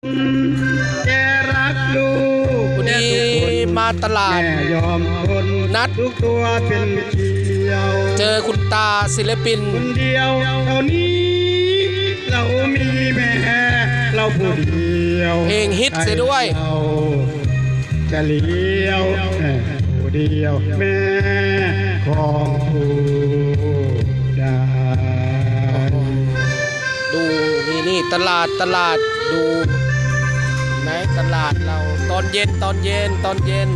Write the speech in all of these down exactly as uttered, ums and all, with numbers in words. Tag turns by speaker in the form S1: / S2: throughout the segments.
S1: แกรักลูก
S2: วันนี้มาตลาด
S1: แม่ยอมทน
S2: นัด
S1: ทุกตัวเป็นเกลียว
S2: เจอคุณตาศิลปิน
S1: คนเดียวเท่านี้ เรามีแม่เราผู้เดียว
S2: เพลงฮิตเสียด้วย
S1: เราจะเลี้ยวแม่ผู้เดียวแม่ของผู้ได้
S2: ดูนี่นี่ตลาดตลาดดูไหมตลาดเราตอนเย็นตอนเย็นตอนเย็น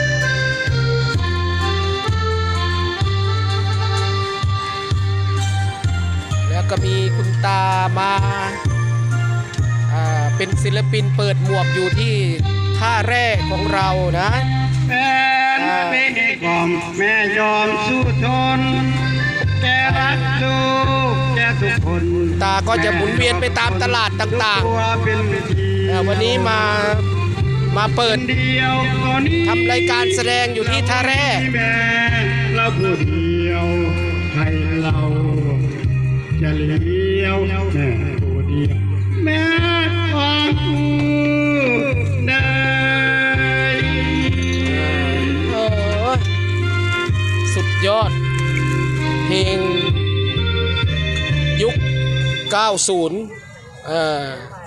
S2: แล้วก็มีคุณตามาอ่าเป็นศิลปินเปิดหมวกอยู่ที่ท่าแร่ของเรานะ
S1: แม่ไม่ให้กล่อมแม่ยอมสู้ทนแกรักลูกแกทุกคน
S2: ตาก็จะหมุนเวียนไปตามตลาดต่าง
S1: ตัวเป็นเดียว
S2: ๆอ่าวันนี้มามาเปิด
S1: คนเดียวตอนนี้
S2: ทำรายการแสดงอยู่ที่ท่าแร่
S1: แม่เราผู้เดียวให้เราจะเลี้ยวแม่ผู้เดียวแม่ของผู้ได้
S2: โอ้ยสุดยอด เพลงยุค เก้าสิบ เอ่อ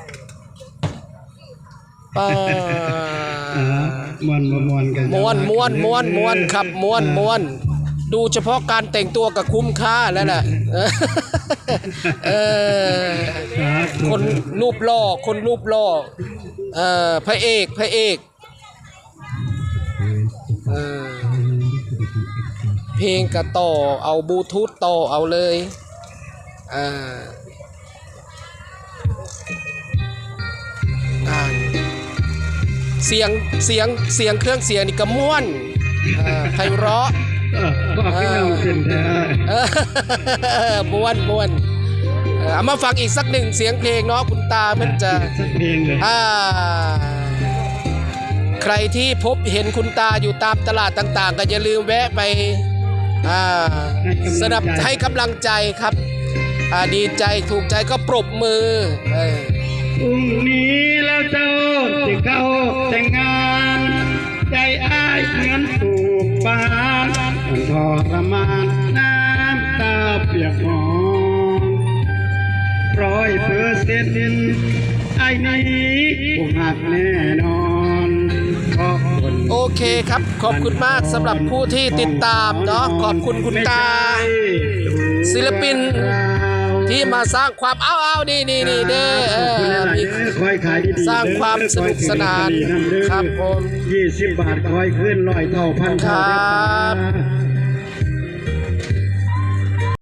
S2: ป้า
S1: ม้วนม้วนกัน
S2: ม้วนม้วนม้วนม้วนครับม้วนม้วนดูเฉพาะการแต่งตัวกับคุ้มค่าแล้วน่ะเออคนรูปหล่อคนรูปหล่อเอ่อพระเอกพระเอกเออเพลงกระต่อเอาบลูทูธต่อเอาเลยอ่าอ่าเสียงเสียงเสียงเครื่องเสียงนี่ก็ม่วนอ่าไพเราะ
S1: บอกพี่น้องเป็นแท้
S2: เออม้วนม้วนเออเอามาฟังอีกสักหนึ่งเสียงเพลงเนาะคุณตาเพิ่นจะ
S1: สักเพลงเลย
S2: อ่าใครที่พบเห็นคุณตาอยู่ตามตลาดต่างๆก็อย่าลืมแวะไปอ่าสนับให้กำลังใจครับอ่าดีใจถูกใจก็ปรบมือเออ
S1: พรุ่งนี้แล้วเจ้าจะเข้าแต่งงานใจอ้ายเหมือนถูกปานมันทรมานน้ำตาเปียกหมอนร้อยเปอร์เซ็นต์ไอ้นี้ผมหักแน่นอนขอบคุณ
S2: โอเคครับขอบคุณมากสำหรับผู้ที่ติดตามเนาะขอบคุณคุณตา ศิลปินที่มาสร้างความเอาเอานี่นี่นี่เด้อเออมี
S1: คอยขายดีๆ
S2: สร้างความสนุกสนานครับผม
S1: ยี่สิบบาทคอยขึ้นร้อยเท่าพัน
S2: ครั
S1: เท่า
S2: บ
S1: เด้อ